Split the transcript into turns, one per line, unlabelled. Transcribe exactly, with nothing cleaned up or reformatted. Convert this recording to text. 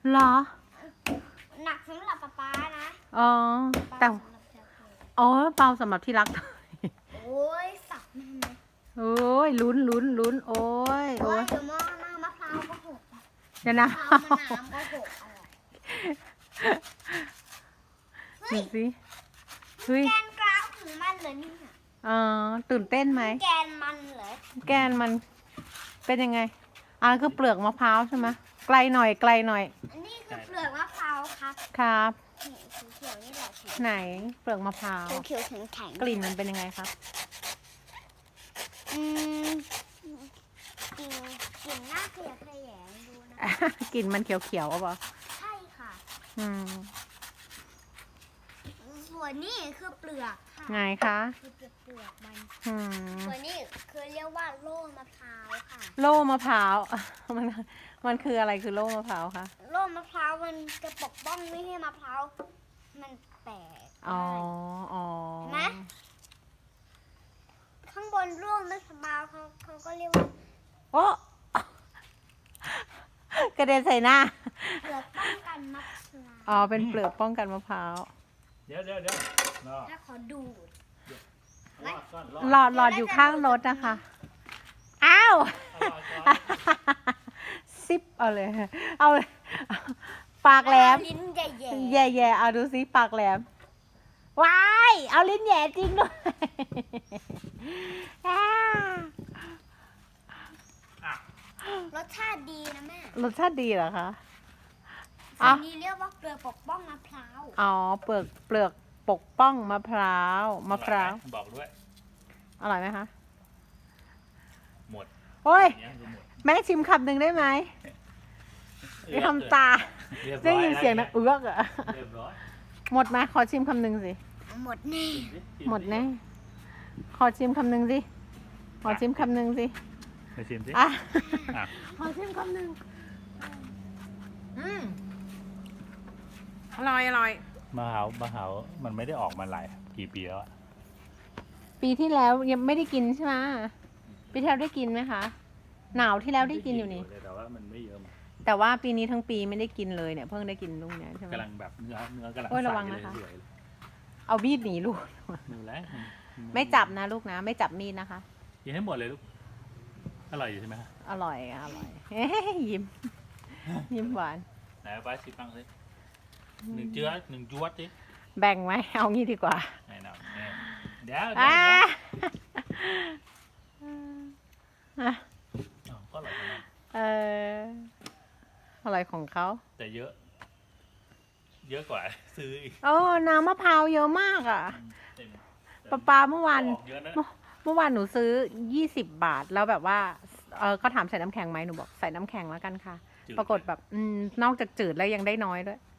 เหรอ
หนักสำหรับป๊าป๊านะ
อ๋อแต่อ๋อเบาสำหรับที่รัก
โอ้ยสับมันไหม
โอ้ยลุ้นลุ้นลุ้นโอ้ย
โอ้
โอ้ย
ยเดี๋ยวมอน้ำมะพร้าวก็หก
เดี๋ยวนะ
มะพร้าวมะนาวก็หกอะไรเฮ้
ดู
ย
สิเฮ้ย
แกนกราวของมันเหรอนี่ค่ะ
เออตื่นเต้นไหม
แกนมันเหรอ
แกนมันเป็นยังไงอ่าคือเปลือกมะพร้าวใช่ไหมไกลหน่อยไกลหน่อย
อันนี้คือเปลือกมะพร้าวครับ
ครับ
นี่เขียวๆนี่แหละแข็ง
ไหนเปลือกมะพร้าว
เขียวๆแข็งแข็ง
กลิ่นมันเป็นยังไงครับ
อืมกลิ่นกลิ่นน่าเกลียดขยงดูนะ
กลิ่นมันเขียวๆอ่ะปะ
ใช่ค่ะ
อืม
ส่วนนี้คือเปลือกค่ะ
ไงคะ
คือเปลือกเปลือกมัน
อืม
ส่วนนี้คือเรียกว่าโล่มะพร้าวค่ะ
โล่มะพร้าว มันมันคืออะไรคือโล่มะพร้าวคะ
โล่มะพร้าวมันจะปกป้องไม่ให้มะพร้าวมันแตก
อ๋ออ๋อ
เห็นไหมข้างบนร่วงมะพร้าวเขาเขาก็เรียกว่า
โอ้ กระเด็นใส่หน้า
เปลือกป้องกันมะพร้าว
อ๋อเป็นเปลือกป้องกันมะพร้าว
เดี๋ยวเดี๋ยวเดี๋ยวรอ
ถ้าขอดูด
รอดก่อนรอด
หลอดหลอดอยู่ข้างรถนะคะ อ้าว
เอารอดก่อน
ซิปเอาเลย เอาเลยปากแหลม
ลิ้นใหญ่
แย่แย่ๆเอาดูซิปากแหลมว้ายเอาลิ้นแย่จริงด้วย อ่า
อ่ะ
ๆรสชาติดีนะแม่
รสชาติดีเหรอคะ
อั
อ่ะ
นนี้เรียกว่าเปลือกปกป้องมะพร้าว
อ๋อเปลือกเปลือกปกป้องมะพร้าวมะพร้าว
บอกด้วย
อร่อยไหมคะ
หมด
โอ้ย
เนี่ยคือหมด
แม่ชิมคำหนึ่งได้ไหมไม่ทำตา
เรียบร้
ได้
อ
ยินเสียงนะเอือกอะ
เรียบร้อย
หมดไหมขอชิมคำหนึ่งสิ
หมดแน่
ชิสิ
หมดแน่ขอชิมคำหนึ่งสิขอชิมคำหนึ่งสิ
ไปชิมสิ
อ่ะ
อ่ะ
ขอชิมคำหนึ่งอืมอร่อยอร่อย
มะพร้าวมะพร้าวมันไม่ได้ออกมาหลายกี่ปีแล้วอะ
ปีที่แล้วยังไม่ได้กินใช่ไหมปีที่แล้วได้กินไหมคะ หนาวที่แล้วได้กินอยู่นี่
แต่ว่ามันไม่เยอะมาก
แต่ว่าปีนี้ทั้งปีไม่ได้กินเลยเนี่ยเพิ่งได้กินลูกเนี้ยใช่ไหม
กำลังแบบเนื้อเนื้อกำลัง
โอ้ย
ใส
ระวัง
เล
นะ
ย
คะ
สวยเลย
เอามีดหนีลูก
ดูแล้วน
ไม่จับนะลูกนะ ไม่จับมีดนะคะ
กินให้หมดเลยลูกอร่อยอยู่ใช่ไหมฮะ
อร่อยอะอร่อย เฮ้ยยิ้ม ยิ้มหวาน
ไหนเอาไปชิมบ้างสิหนึ่งเจือหนึ่งจวดสิ
แบ่งไหมเอางี้ดีกว่า
ไหนหน่อยเนี่ยเดี๋ยวเดี๋ยว
อ่า
เดี๋ยว
อ่ะ
อ้าวก็อร่อยทั้งนั้น
เอออร่อยของเขา
แต่เยอะ เยอะกว่า ซื้ออีก
โอ้น้ำมะพร้าวเยอะมากอ่ะ
เต็ม
ปลาปลาเมื่อวาน
ออกเยอะนะ
เมื่อวานหนูซื้อยี่สิบบาท แล้วแบบว่าเออเขาถามใส่น้ำแข็งไหมหนูบอกใส่น้ำแข็งแล้วกันค่ะ
จืด
ปรากฏแบบ อืม นอกจากจืดแล้วยังได้น้อยด้วย
อ